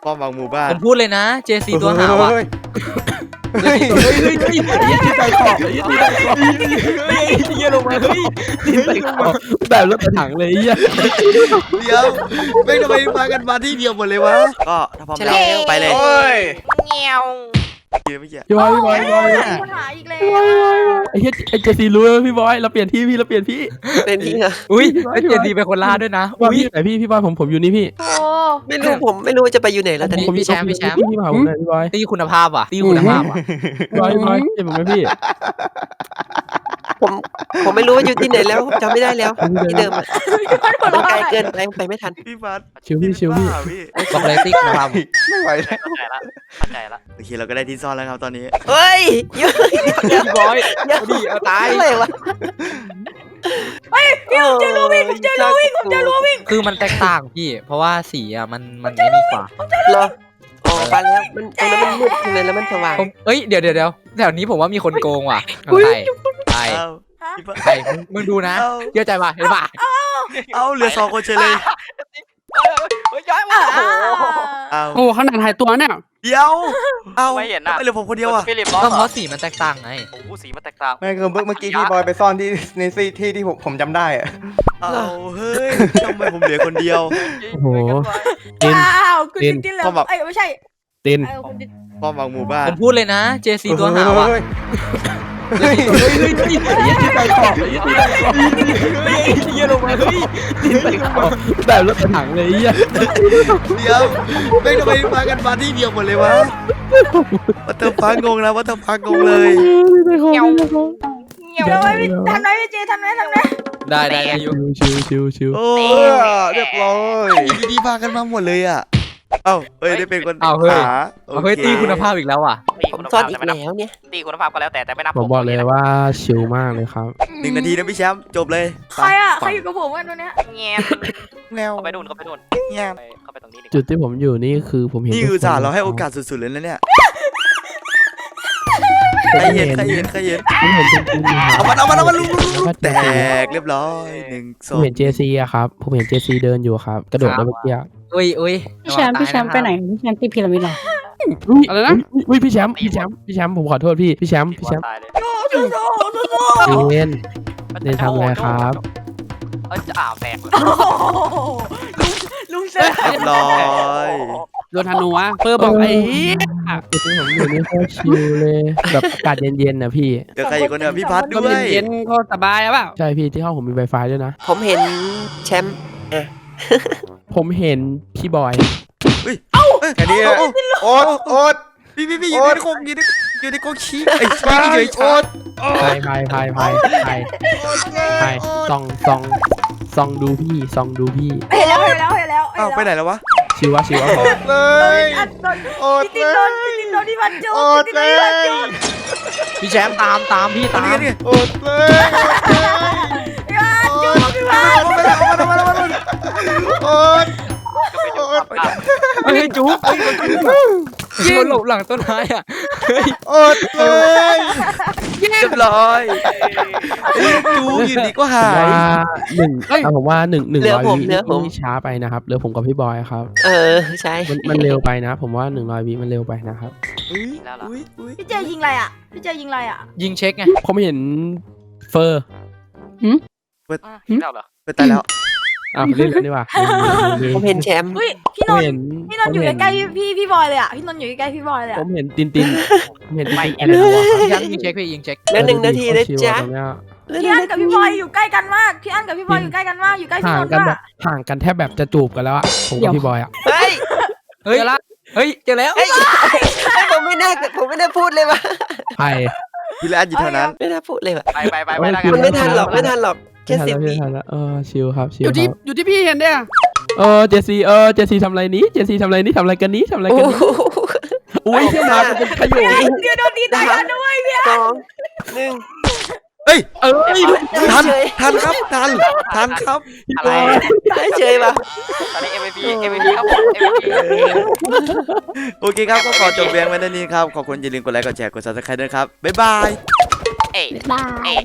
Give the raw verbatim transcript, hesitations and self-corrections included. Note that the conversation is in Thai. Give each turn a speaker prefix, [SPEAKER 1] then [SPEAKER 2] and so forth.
[SPEAKER 1] ป้อมบางหมู่บ้าน
[SPEAKER 2] ผมพูดเลยนะ เจ ซี ตัวหาว่ะเฮ้ยเฮ้ยเฮ้ยเฮ้ยยี่ที่ใส่ขอบยี่ที่ใส่ขอบเฮ้ยเยี่ยลงมาเฮ้ยที่ใส่ขอบแบบรถถังเลยเยี่ย
[SPEAKER 1] เดี๋ยวไม่ทำไมมากันมาที่เดียวหมดเลยวะก็ถ้าพร้อมแล้วไปเลย
[SPEAKER 3] เงี้ยว
[SPEAKER 1] ไม่เกี่ยว
[SPEAKER 4] พี่บอยพี่บอยพี่บอย
[SPEAKER 3] หาอีกแล้ว
[SPEAKER 4] ไอ้เหี้ยไอ้เจซีรู้ไหมพี่บอยเราเปลี่ยนที่พี่เราเปลี่ยนที่
[SPEAKER 5] เป็นที่เหรอ
[SPEAKER 2] อุ้ยไอ้เจ ซีเป็นคนล่าด้วยนะ
[SPEAKER 4] อุ้ยไหนพี่พี่บอยผมผมอยู่นี่พี่
[SPEAKER 3] โอ้
[SPEAKER 5] ไม่รู้ผมไม่รู้จะไปอยู่ไหนแล้วตอนนี้
[SPEAKER 2] พี่แชมป์พี่แชมป์
[SPEAKER 4] พี่มาผมหน่อยพี่บอย
[SPEAKER 2] ตีคุณภาพว่ะตีคุณภาพว่ะ
[SPEAKER 4] พี่บอยพี่บอยเจ็บผมไหมพี่
[SPEAKER 5] ผมผมไม่รู้ว่าอยู่ที่ไหนแล้วจำไม่ได้แล้วที่เดิมอะมันไกลเกินไปไปไม่ทัน
[SPEAKER 1] พี่ฟัด
[SPEAKER 4] ชิวพี่ชิวพี่
[SPEAKER 2] บอกเลยตีคุณภาพ
[SPEAKER 1] ไม่ไหวแล้ว
[SPEAKER 2] เข้าใจละเข้าใจละ
[SPEAKER 1] โอเคเราก็ได้ที่ซ่อนแล้วครับตอนนี้
[SPEAKER 5] เฮ้ยเยอะ
[SPEAKER 2] พี่บอยดีเอาตาย
[SPEAKER 5] อะไรวะ
[SPEAKER 3] เฮ้ยพี่ผมเจอรูวิ่งผมเจอรูวิ่งผมเจอรูวิ่ง
[SPEAKER 2] คือมันแตกต่างพี่เพราะว่าสีอ่ะมันมันไม่ดีกว่า
[SPEAKER 5] เหรออ๋อไปแล้วมันตรงนั้นมันมืดเลยแล้วมันสว่าง
[SPEAKER 2] เอ้ยเดี๋ยวเดี๋ยวเดี๋ยวแถวนี้ผมว่ามีคนโกงว่ะใช่ใช่ใช่มึงดูนะเยอะใจป่ะเห็นป่ะ
[SPEAKER 1] เอาเหลือสองคนเฉยเลย
[SPEAKER 2] เฮ้ยย้ายมา
[SPEAKER 4] โอ้ขนาดหายตัวเนี่ย
[SPEAKER 1] เดี๋ยวเอาไม่เห็นนะเหลือผมคนเดียวอ่ะ
[SPEAKER 2] ก็เพราะสีมันแตกต่างไง
[SPEAKER 6] โอ้สีมันแตกต่าง
[SPEAKER 7] ไม่คือเมื่อกี้พี่บอยไปซ่อนที่ในที่ที่ที่ผมผมจำได้อะ
[SPEAKER 1] เอาเฮ้ยทำไมผมเหลือคนเดียว
[SPEAKER 4] โอ้โห
[SPEAKER 3] อ้าวคุณดินดินแล้วไอ้ไม่ใช่
[SPEAKER 4] ดิน
[SPEAKER 1] ป้อมบางหมู่บ้าน
[SPEAKER 2] ผมพูดเลยนะ เจ ซี ตัวหาว่ะเฮ้ยเฮ้ยเฮ้ยยี่ที่ใส่ขอบยี่ที่ใส่ขอบเฮ้ยเยี่ยลงมาเฮ้ยที่ใส่ขอบ
[SPEAKER 4] แบบรถถังเลยเยี่ย
[SPEAKER 1] เดี๋ยวไม่ทำไมมากันมาที่เดียวหมดเลยวะวัตถุพังงงนะวัตถุพังงงเลย
[SPEAKER 3] เงี้ยวเงี้ยวไว้ทำไรพี่เจทำไรทำไร
[SPEAKER 2] ได้ได้อยู่
[SPEAKER 4] ชิวชิวชิว
[SPEAKER 1] โอ้เรียบร้อยดีๆพากันมาหมดเลยอ่ะเอ้าเอ้ยได้เป็นคน
[SPEAKER 2] หาเฮ้ยตีคุณภาพอีกแล้วอ่ะ
[SPEAKER 5] ผมซ่อนอีกแล้วเนี่ย
[SPEAKER 6] ตีคุณภาพก็แล้วแต่แต่ไม่นับ
[SPEAKER 4] ผมบอกเลยว่าชิลมากเลยครับ
[SPEAKER 1] หนึ่งนาทีนะพี่แชมป์จบเลย
[SPEAKER 3] ใครอ่ะใครอยู่กับผมกันตัวเนี้ย
[SPEAKER 6] เงี้ย
[SPEAKER 1] แนว
[SPEAKER 6] เข้าไปนู่นเข้าไปนู่น
[SPEAKER 1] เงี้ย
[SPEAKER 6] เข้าไปตรงนี้
[SPEAKER 4] จุดที่ผมอยู่นี่คือผมเห็น
[SPEAKER 1] นี่คือจ่าเราให้โอกาสสุดๆเลยนะเนี่ยใครเห็นใครเห็นใครเห็นเอามันเอามันเอามันลุงแตกเรียบร้อยหนึ่งสอง
[SPEAKER 4] ผมเห็นเจซีอะครับผมเห็นเจซีเดินอยู่ครับกระโดดมาเมื่อกี้
[SPEAKER 2] อุ้ยอุ้ย
[SPEAKER 8] พี่แชมป์พี่แชมป์ไปไหนพี่แชมป์ตีพีระมิดเหรอ
[SPEAKER 4] อะไรนะอุ้ยพี่แชมป์พี่แชมป์พี่แชมป์ผมขอโทษพี่พี่แชมป์พี่แชมป์เน้นเน้นทำอะไรครับ
[SPEAKER 6] เออจะอ่าวแตก
[SPEAKER 3] ลุงเซ
[SPEAKER 1] เรียบร้อย
[SPEAKER 4] โดนธนูวะเพิ่มบอกไอ้เหี้ยจุดที่ผมอยู่นี่โคตรชิลเลยแบบอากาศเย็นๆนะพี่
[SPEAKER 1] เจอใครอีกคนเนี่ยพี่พัดด้วย
[SPEAKER 4] เย็นก็สบายอะเปล่าใช่พี่ที่ห้องผมมี Wi-Fi ด้วยนะ
[SPEAKER 5] ผมเห็นแชมป์
[SPEAKER 4] ผมเห็นพี่บอย
[SPEAKER 1] เฮ้ยเอ้าแค่นี้โอ๊ตโอ๊ตพี่พี่พี่อยู่ในโคกอยู่ในอยู่ในโคกชี้ไอ้ชี้อยู่ในโอ๊ต
[SPEAKER 4] พายพายพายพายพายพายส่องส่องส่องดูพี่ส่องดูพี่
[SPEAKER 3] เห็นแล้วเห็นแล้วเห็นแล้ว
[SPEAKER 1] เอ้าไปไหนแล้ววะ
[SPEAKER 4] ชิวะชิวะ
[SPEAKER 7] โอ๊ตเลย
[SPEAKER 3] โอ๊ตเลยพี่ตินโดนพี่ตินโดนที่มันจุดพี่ตินโดนที่มันจุด
[SPEAKER 2] พี่แชมป์ตามตามพี่ตาม
[SPEAKER 7] โอ๊ตเลย
[SPEAKER 3] พี่มันจุดพี่มัน
[SPEAKER 7] โอ๊ตโอ๊ต
[SPEAKER 2] เฮ้ยจุ๊บยิงหลบหลังต้นไม้อ่ะ
[SPEAKER 7] โอ๊ตเลย
[SPEAKER 1] เรียบร้อยจูอยู่ดีก็หาย
[SPEAKER 4] หนึ่งผมว่าหนึ่งหนึ่งร้อยวินี่ช้าไปนะครับเหลือผมกับพี่บอยครับ
[SPEAKER 5] เออใช่
[SPEAKER 4] มันเร็วไปนะผมว่าหนึ่งร้อยวิมันเร็วไปนะครับ
[SPEAKER 3] พี่เจยิงอะไรอ่ะพี่เจยิงอะไรอ่ะ
[SPEAKER 2] ยิงเช็คไง
[SPEAKER 4] ผมเห็นเฟอร์
[SPEAKER 1] เปิดแล้วเหรอเปิดตายแล้ว
[SPEAKER 4] อ่ะเล่นกันดีกว่า
[SPEAKER 5] ผมเห็นแชมป์
[SPEAKER 3] พี่นนท์พี่นนท์อยู่ใกล้ๆพี่พี่บอยเลยอ่ะพี่นนท์อยู่ใกล้ๆพี่บอยเลยอ่ะ
[SPEAKER 4] ผมเห็นตินตินผมเห็นไม่
[SPEAKER 2] ยังยิงเช็คพี่ยิงเช็ค
[SPEAKER 5] แล้วหนึ่งนาทีนะจ๊ะ
[SPEAKER 3] พี่อันกับพี่บอยอยู่ใกล้กันมากพี่อันกับพี่บอยอยู่ใกล้กันมากอยู่ใกล้พี่นนท์มาก
[SPEAKER 4] ห่างกันแทบแบบจะจูบกันแล้วอ่ะผมกับพี่บอยอ่ะ
[SPEAKER 5] เฮ้ย
[SPEAKER 2] เฮ้ยเฮ้ยเจอแล้ว
[SPEAKER 5] ผมไม่น่าผมไม่ได้พูดเลยว่ะ
[SPEAKER 4] ใคร
[SPEAKER 1] พี่แลนอยู่เท่านั้น
[SPEAKER 5] ไม่น่าพูดเลยว่ะ
[SPEAKER 6] ไปไปไปไป
[SPEAKER 5] มันไม่ทันหรอกไม่ทันหรอกแค่สิบวิ
[SPEAKER 4] เออชิลครับชิล
[SPEAKER 8] อยู่ที่อยู่ที่พี่เห็นเนี่ย
[SPEAKER 4] เออเจซีเออเจซีทำอะไรนี้เจซีทำอะไรนี้ทำอะไรกันนี้ทำอะไรกันนี้อุ้ยเที่ยวมาเป็นขยุ
[SPEAKER 3] นเดี๋ยวโดนดีตายกันด้วยพี่
[SPEAKER 5] สองหนึ่ง
[SPEAKER 1] เฮ้ยเออทันทันครับทันทันครับ
[SPEAKER 6] อะไร
[SPEAKER 5] เฉยป่ะ
[SPEAKER 6] ตอนนี้ เอ็ม วี พี เอ็ม วี พี ครับผม เอ็ม วี พี
[SPEAKER 1] โอเคครับก็ขอจบเพียงไว้เท่านี้ครับขอบคุณอย่าลืมกดไลค์กดแชร์กด ซับสไครบ์ ด้วยครับบ๊ายบาย
[SPEAKER 6] เอ๊ะ